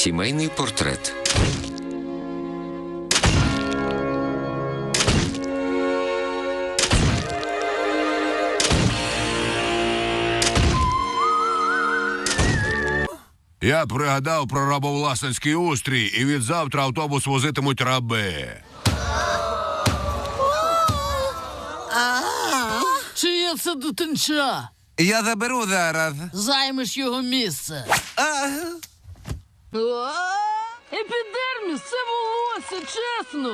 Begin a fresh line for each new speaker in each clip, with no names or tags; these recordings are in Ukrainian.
Сімейний портрет.
Я пригадав про рабовласницький устрій, і відзавтра автобус возитимуть раби.
Чиє це дитинча?
Я заберу зараз.
Займеш його місце. Епідерміс, це волосся, чесно.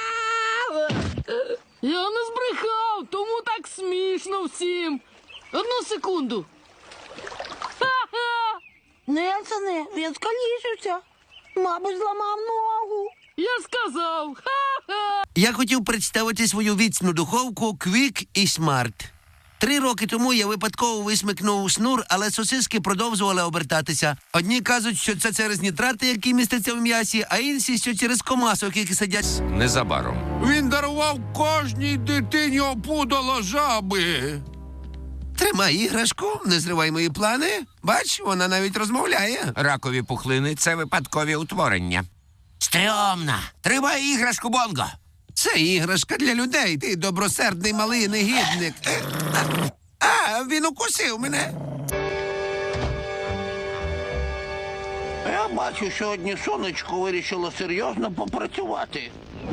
Я не збрехав, тому так смішно всім. Одну секунду. Ха-ха!
Нельсоне, він скалічився. Мабуть, зламав ногу.
Я сказав. Ха-ха!
Я хотів представити свою віцну духовку Quick і Smart. 3 роки тому я випадково висмикнув шнур, але сосиски продовжували обертатися. Одні кажуть, що це через нітрати, які містяться в м'ясі, а інші, що через комасок, які сидять.
Незабаром.
Він дарував кожній дитині опудало жаби.
Тримай іграшку, не зривай мої плани. Бач, вона навіть розмовляє.
Ракові пухлини – це випадкові утворення. Стрьомна! Тримай іграшку, Бонго!
Це іграшка для людей, ти добросердний малий негідник. Він укусив мене.
Я бачу, сьогодні сонечко вирішило серйозно попрацювати.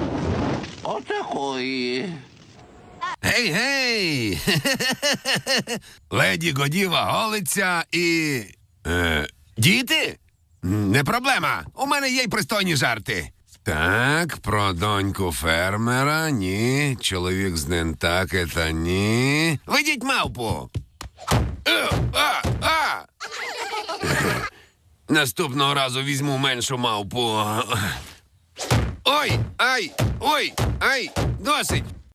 Отакої.
Гей-гей! Леді Годіва голиться і... діти? Не проблема. У мене є й пристойні жарти. Так, про доньку фермера, ні. Чоловік з Нентакета, ні. Ведіть мавпу! Наступного разу візьму меншу мавпу. Ой, ай, ой, ай, досить.